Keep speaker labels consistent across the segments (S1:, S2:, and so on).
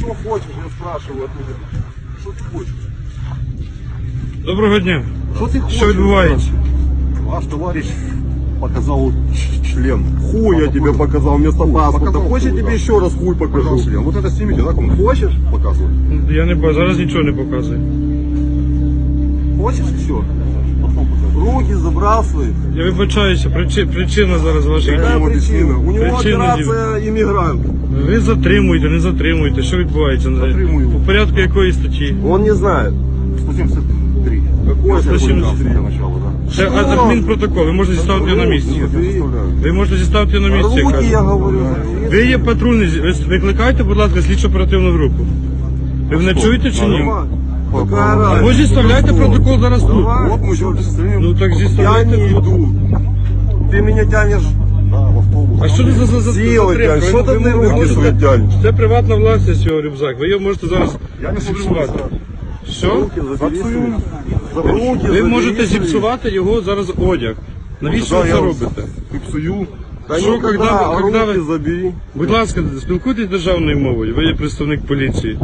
S1: что хочешь, я спрашиваю от меня. Что ты хочешь?
S2: Доброго дня.
S1: Что ты хочешь?
S2: Що відбувається?
S1: Ваш товарищ показал член. Хуй я тебе показал вместо паспорта.
S3: показал
S1: Хочешь, я
S3: хуй,
S1: тебе
S3: да.
S1: еще раз хуй покажу?
S3: Пожалуйста, вот это снимите, да, кому
S1: Хочешь?
S3: показывать?
S2: Я не бачу, зараз нічого не показує.
S1: Хочешь еще? Руки забрал свои.
S2: Я вибачаюся, причина зараз ваших
S1: Какая
S2: дій.
S1: причина? У него
S2: Причина
S1: операция иммигрант.
S2: Ви затримуєте, не затримуєте, що відбувається?
S3: Затримую.
S2: По порядку якої статті?
S1: Он не знает.
S3: 173.
S1: Какой
S2: Статья
S1: это
S2: 73.
S3: Для начала, да.
S2: Це адмінпротокол, ви можете зіставити його на місці.
S3: Нет, я заставляю.
S2: Ви можете зіставити його на місці, я
S1: Руки,
S2: кажу.
S1: я говорю.
S2: Ви є патрульний, ви викликайте, будь ласка, слідчо оперативну групу. Ви мене чуєте чи ні?
S1: Какая
S2: Або
S1: разница?
S2: зіставляйте протокол зараз тут.
S1: Давай.
S3: Вот мы еще состояние
S2: Ну так
S1: Я
S2: зіставляйте
S1: не
S2: тут.
S1: иду. Ты меня тянешь
S3: в автобус.
S2: А що це за
S1: силой,
S2: затримка?
S1: тянешь. Что ты
S2: Ви
S1: руки
S2: можете-
S1: свои тянешь?
S2: Це приватна власність його рюкзак. Ви його можете зараз
S3: Я не
S2: зіпсувати. Що?
S1: Руки забери
S3: Запсую.
S1: свои. Руки
S2: Ви
S1: забери
S2: можете
S1: свои.
S2: зіпсувати його зараз одяг. Навіщо ви
S3: Да,
S2: це
S3: я
S2: робите?
S3: И псую.
S1: Да
S2: Что,
S1: никогда,
S2: когда
S1: руки
S2: вы-
S1: забери.
S2: Будь ласка, спілкуйтесь державною мовою. Ви є представник поліції.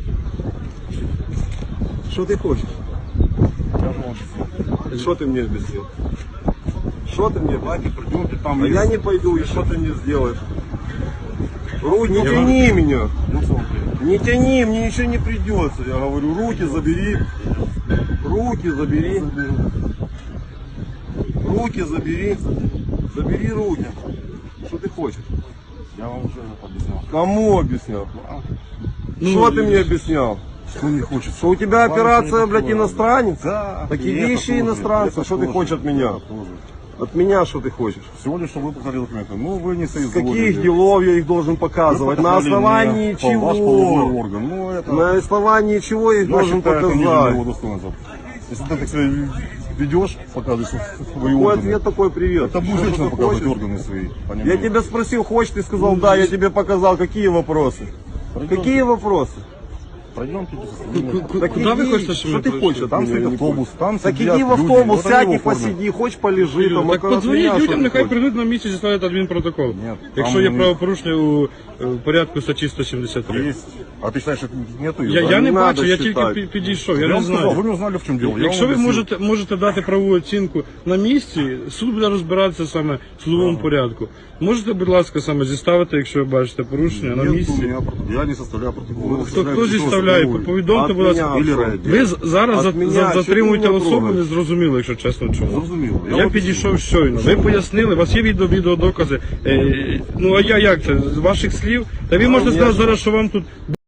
S1: Что ты хочешь? Что ты мне объяснил? Что ты мне?
S3: Давайте придемте там.
S1: А я не пойду, и что ты мне сделаешь? Руки, не тяни меня. Не тяни, мне ничего не придется. Я говорю, руки забери. Руки забери. Руки забери. Забери руки. Что ты хочешь?
S3: Я вам уже объяснял.
S1: Кому объяснял?
S2: Ну,
S1: Что ты мне объяснял?
S3: Что не хочется.
S1: Что у тебя
S3: Вам
S1: операция,
S3: ничего не
S1: блядь,
S3: такое.
S1: иностранец?
S3: Да.
S1: Такие
S3: и это
S1: вещи
S3: тоже,
S1: иностранца.
S3: это
S1: Что ты
S3: тоже,
S1: хочешь от меня?
S3: это тоже.
S1: От меня что ты хочешь?
S3: Всего лишь, чтобы вы показали документы. Ну, вы не
S1: С
S3: соизволили.
S1: каких делов я их должен
S3: Вы
S1: показывать? На
S3: показали
S1: основании
S3: мне Ваш половой
S1: чего?
S3: орган. Ну, это...
S1: На основании чего я их
S3: Я
S1: должен
S3: считаю, это ниже моего
S1: показать?
S3: достоинства. Если ты так себя ведешь, показываешь свои
S1: Какой
S3: органы.
S1: ответ такой привет?
S3: Это будет
S1: Что
S3: женщина
S1: ты
S3: показывать
S1: хочешь?
S3: органы свои.
S1: Я
S3: понимаете?
S1: тебя спросил, хочешь, ты сказал, да, я тебе показал. Какие вопросы? Какие вопросы?
S3: Пройдемте.
S2: Куди ви хочете, щоб ми
S1: Что ты
S2: прийшли?
S1: хочешь?
S3: Там
S1: от меня,
S3: стоит
S1: я не
S3: автобус, там
S1: Так
S3: сидят
S1: иди в
S3: люди.
S1: автобус,
S3: Вот они
S1: сядь
S3: его
S1: и
S3: оформят.
S1: посиди, хочешь полежи там.
S2: Так
S1: около
S2: подзвоніть
S1: меня, что
S2: людям,
S1: ты
S2: нехай
S1: хочешь?
S2: прийдуть на місці і зіставлять адмінпротокол.
S3: Ні,
S2: Якщо
S3: там
S2: є
S3: вони-
S2: правопорушення у порядку статті 173.
S3: Есть. А ты считаешь, что нету?
S2: Я
S1: не
S2: не
S1: надо
S2: бачу, я
S1: считать.
S2: тільки підійшов, я
S3: Я
S2: не
S3: вам сказал, вы
S2: знаю.
S3: не узнали, в чем дело. Я
S2: Якщо
S3: вам
S2: ви
S3: объяснил.
S2: можете дати правову оцінку на місці, суд буде розбиратися саме в судовому порядку. Можете, будь ласка, саме зіставити, якщо ви бачите порушення на
S3: Нет у
S2: місці?
S3: меня протокол. Я не составляю протокол.
S2: Хто зіставляє? Повідомте, будь ласка.
S1: От
S3: Или
S1: мене.
S3: ради.
S2: Ви зараз
S1: От мене,
S2: затримуєте
S1: що ти мене
S2: особу,
S1: трогаєш?
S2: не зрозуміло, якщо чесно чому.
S3: Зрозуміло.
S2: Я
S3: вам
S2: підійшов щойно. Ви пояснили, у вас є відеодокази. Ну а я як це? З ваших слів? Та ви можете сказати зараз, що вам тут